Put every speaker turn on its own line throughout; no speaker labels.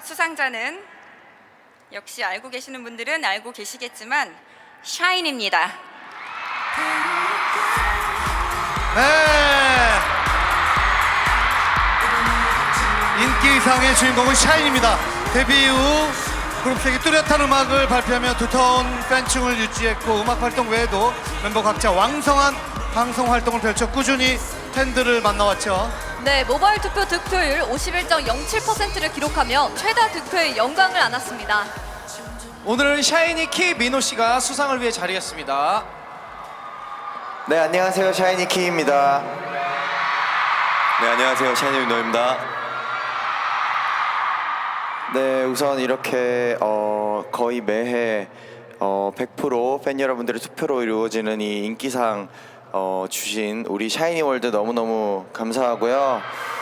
수상자는 역시 알고 계시는 분들은 알고 계시겠지만 샤인입니다.
네. 인기상의 주인공은 샤인입니다. 데뷔 이후 그룹색이 뚜렷한 음악을 발표하며 두터운 팬층을 유지했고 음악 활동 외에도 멤버 각자 왕성한 방송 활동을 펼쳐 꾸준히 팬들을 만나왔죠.
네, 모바일 투표 득표율 51.07%를 기록하며 최다 득표의 영광을 안았습니다.
오늘은 샤이니 키 민호 씨가 수상을 위해 자리했습니다.
네, 안녕하세요. 샤이니 키입니다.
네, 안녕하세요. 샤이니 민호입니다.
네, 우선 이렇게 거의 매해 100% 팬 여러분들의 투표로 이루어지는 이 인기상 주신 우리 샤이니 월드 너무너무 감사하고요.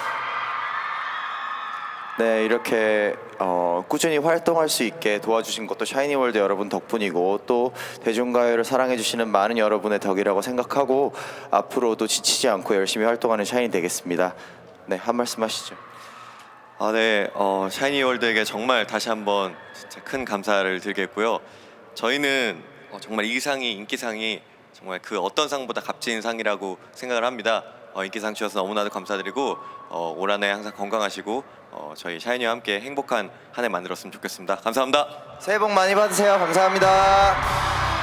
네, 이렇게 꾸준히 활동할 수 있게 도와주신 것도 샤이니 월드 여러분 덕분이고 또 대중가요를 사랑해주시는 많은 여러분의 덕이라고 생각하고 앞으로도 지치지 않고 열심히 활동하는 샤이니 되겠습니다. 네, 한 말씀 하시죠.
네, 샤이니 월드에게 정말 다시 한번 진짜 큰 감사를 드리겠고요. 저희는 정말 이 상이 인기상이 정말 그 어떤 상보다 값진 상이라고 생각을 합니다. 인기상 주셔서 너무나도 감사드리고 올 한해 항상 건강하시고 저희 샤이니와 함께 행복한 한 해 만들었으면 좋겠습니다. 감사합니다.
새해 복 많이 받으세요. 감사합니다.